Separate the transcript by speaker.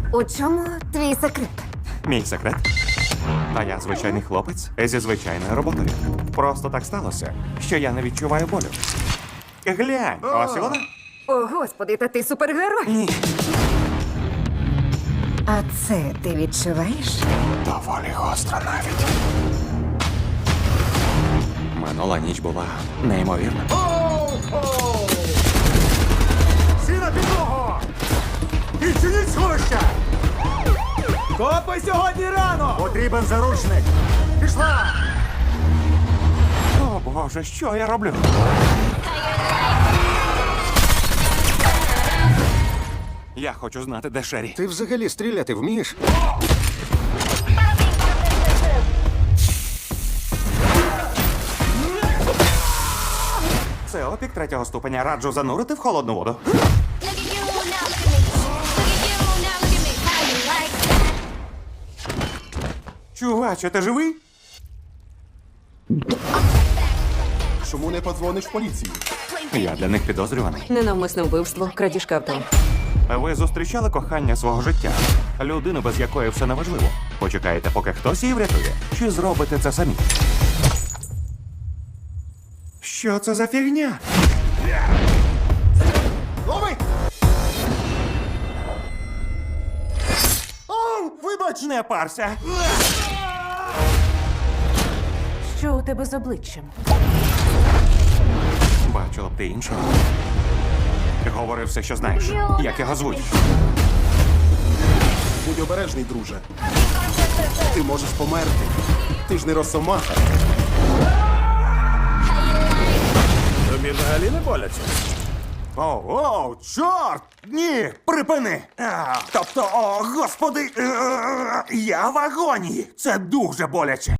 Speaker 1: У чому твій секрет?
Speaker 2: Мій секрет? Та я звичайний хлопець зі звичайною роботою. Просто так сталося, що я не відчуваю болю. Глянь, ось і вона.
Speaker 1: О, господи, та ти супергерой.
Speaker 2: Ні.
Speaker 1: А це ти відчуваєш?
Speaker 2: Доволі гостро навіть. Минула ніч була неймовірна.
Speaker 3: Всі на підлогу! Відчиніть сховища!
Speaker 4: Копи сьогодні рано!
Speaker 3: Потрібен заручник! Пішла!
Speaker 2: О, Боже, що я роблю? Я хочу знати, де Шері.
Speaker 3: Ти взагалі стріляти вмієш?
Speaker 2: Це опік третього ступеня. Раджу занурити в холодну воду.
Speaker 5: Look at you now, look at me. Look at you now, look at me. How you like that?
Speaker 2: Чуваче, ти живий?
Speaker 3: Чому не подзвониш в поліцію?
Speaker 2: Я для них підозрюваний.
Speaker 1: Ненавмисне вбивство, крадіжка авто.
Speaker 2: Ви зустрічали кохання свого життя? Людину, без якої все неважливо. Почекаєте, поки хтось її врятує? Чи зробите це самі? Що це за фігня?
Speaker 3: Лови! О, вибач!
Speaker 2: Не парся!
Speaker 1: Що у тебе з обличчям?
Speaker 2: Бачила б ти іншого. Говори все, що знаєш. Як його звуть?
Speaker 3: Будь обережний, друже. Ти можеш померти. Ти ж не росомаха.
Speaker 4: Тобі взагалі не боляться?
Speaker 2: О, чорт! Ні, припини! Тобто, о, господи, я в агонії! Це дуже боляче.